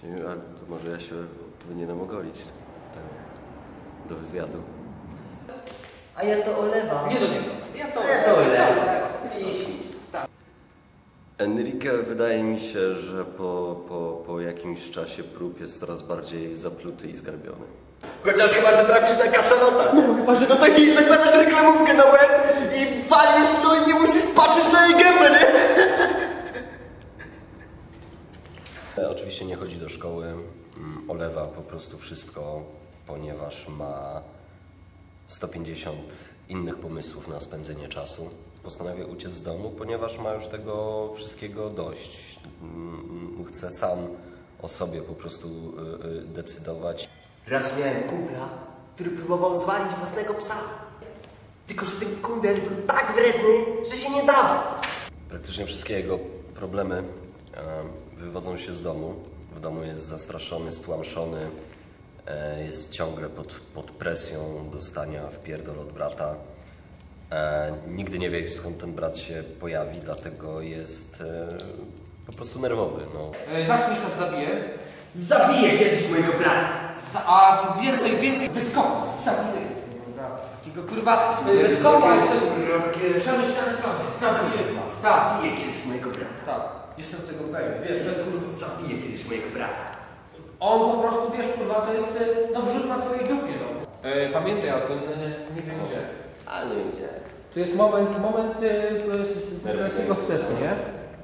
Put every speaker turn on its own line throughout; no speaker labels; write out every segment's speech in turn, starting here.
A to może ja się powinienem ogolić do wywiadu.
A ja to olewam.
Nie do niego.
Ja to olewam.
Enrique, wydaje mi się, że po jakimś czasie prób jest coraz bardziej zapluty i zgarbiony.
Chociaż chyba, że trafisz na kaszalota.
No
to i zakładasz reklamówkę na łeb i walisz to i nie musisz patrzeć na jej gębę, nie?
Oczywiście nie chodzi do szkoły, olewa po prostu wszystko, ponieważ ma 150 innych pomysłów na spędzenie czasu. Postanawia uciec z domu, ponieważ ma już tego wszystkiego dość. Chce sam o sobie po prostu decydować.
Raz miałem kumpla, który próbował zwalić własnego psa. Tylko że ten kundel był tak wredny, że się nie dawał.
Praktycznie wszystkie jego problemy wywodzą się z domu. W domu jest zastraszony, stłamszony, jest ciągle pod presją dostania wpierdol od brata. Nigdy nie wie, skąd ten brat się pojawi, dlatego jest po prostu nerwowy. No.
Zawsze czas zabije.
Zabiję kiedyś mojego brata.
A więcej wyskoku. Zabiję. Takiego kurwa wyskoku. Zabiję. Tak.
Zabiję kiedyś mojego brata.
Tak. Jestem tego pewien. Wiesz, bez kurwa.
Zabiję kiedyś mojego brata.
On po prostu, wiesz, kurwa, to jest no wrzut na twojej dupie, no. Pamiętaj o tym, nie wiem gdzie.
Ale nie wiem gdzie.
To jest moment takiego stresu, nie?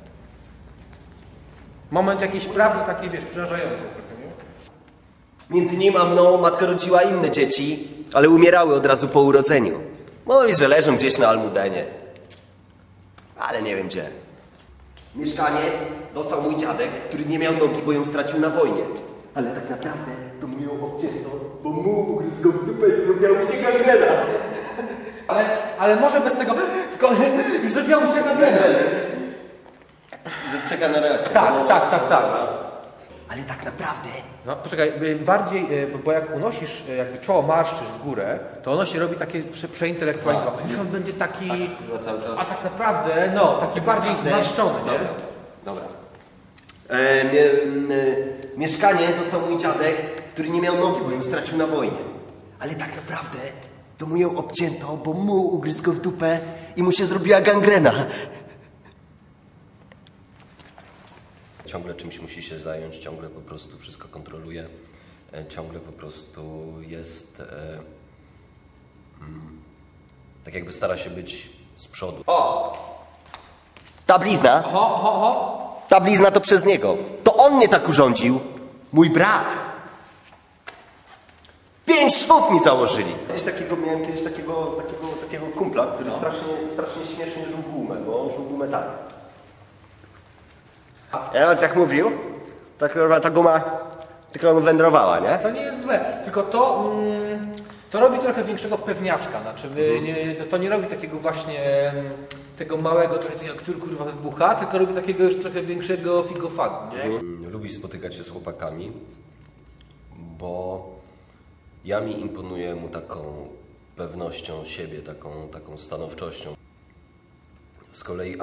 Moment jakiejś prawdy takiej, wiesz, przerażającej trochę, nie?
Między nim a mną matka rodziła inne dzieci, ale umierały od razu po urodzeniu. Mówi, że leżą gdzieś na Almudenie. Ale nie wiem gdzie. Mieszkanie dostał mój dziadek, który nie miał nogi, bo ją stracił na wojnie. Ale tak naprawdę to mu ją obcięto, bo mu ugryzł go w dupę i zrobiła mu się gangrena.
Ale może bez tego i zrobiło mu się gangrena.
Czeka na reakcję.
Tak.
Ale tak naprawdę...
No poczekaj, bardziej, bo jak unosisz, jakby czoło marszczysz w górę, to ono się robi takie przeintelektualizowane. Niech on będzie taki,
Cały czas.
a tak naprawdę, no, taki bardziej zmarszczony, nie?
Dobra. Mieszkanie dostał mój dziadek, który nie miał nogi, bo ją stracił na wojnie. Ale tak naprawdę to mu ją obcięto, bo mu ugryzł go w dupę i mu się zrobiła gangrena.
Ciągle czymś musi się zająć, ciągle po prostu wszystko kontroluje, ciągle po prostu jest, tak jakby stara się być z przodu.
Ta blizna, ta blizna to przez niego. To on mnie tak urządził. Mój brat. 5 szwów mi założyli. Miałem kiedyś takiego kumpla, który strasznie śmiesznie żył w gumę, bo on żył gumę tak. Ja on tak mówił, ta guma tylko mu wędrowała, nie?
To nie jest złe, tylko to robi trochę większego pewniaczka, znaczy to nie robi takiego właśnie tego małego, który kurwa wybucha, tylko robi takiego już trochę większego figofagu, nie?
Lubi spotykać się z chłopakami, bo ja mi imponuję mu taką pewnością siebie, taką stanowczością. Z kolei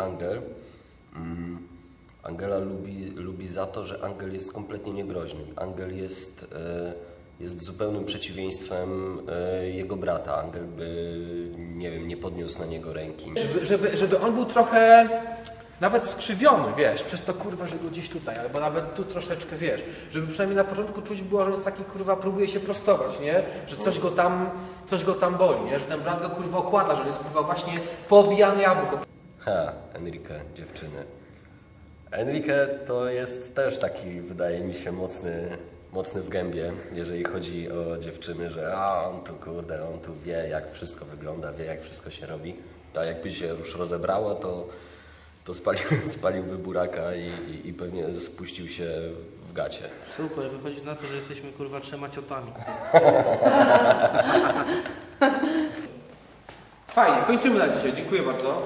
Angela lubi za to, że Angel jest kompletnie niegroźny. Angel jest zupełnym przeciwieństwem jego brata. Angel by, nie wiem, nie podniósł na niego ręki.
Żeby on był trochę nawet skrzywiony, wiesz, przez to kurwa, że go gdzieś tutaj, albo nawet tu troszeczkę, wiesz, żeby przynajmniej na początku czuć było, że jest taki kurwa, próbuje się prostować, nie? Że coś go tam boli, nie? Że ten brat go kurwa okłada, że on jest kurwa właśnie poobijany jabłko.
Enrique, dziewczyny. Enrique to jest też taki, wydaje mi się, mocny w gębie, jeżeli chodzi o dziewczyny, że on tu wie, jak wszystko wygląda, wie, jak wszystko się robi. A jakby się już rozebrało, to spaliłby buraka i pewnie spuścił się w gacie.
Super, wychodzi na to, że jesteśmy kurwa 3 ciotami.
Fajnie, kończymy na dzisiaj, dziękuję bardzo.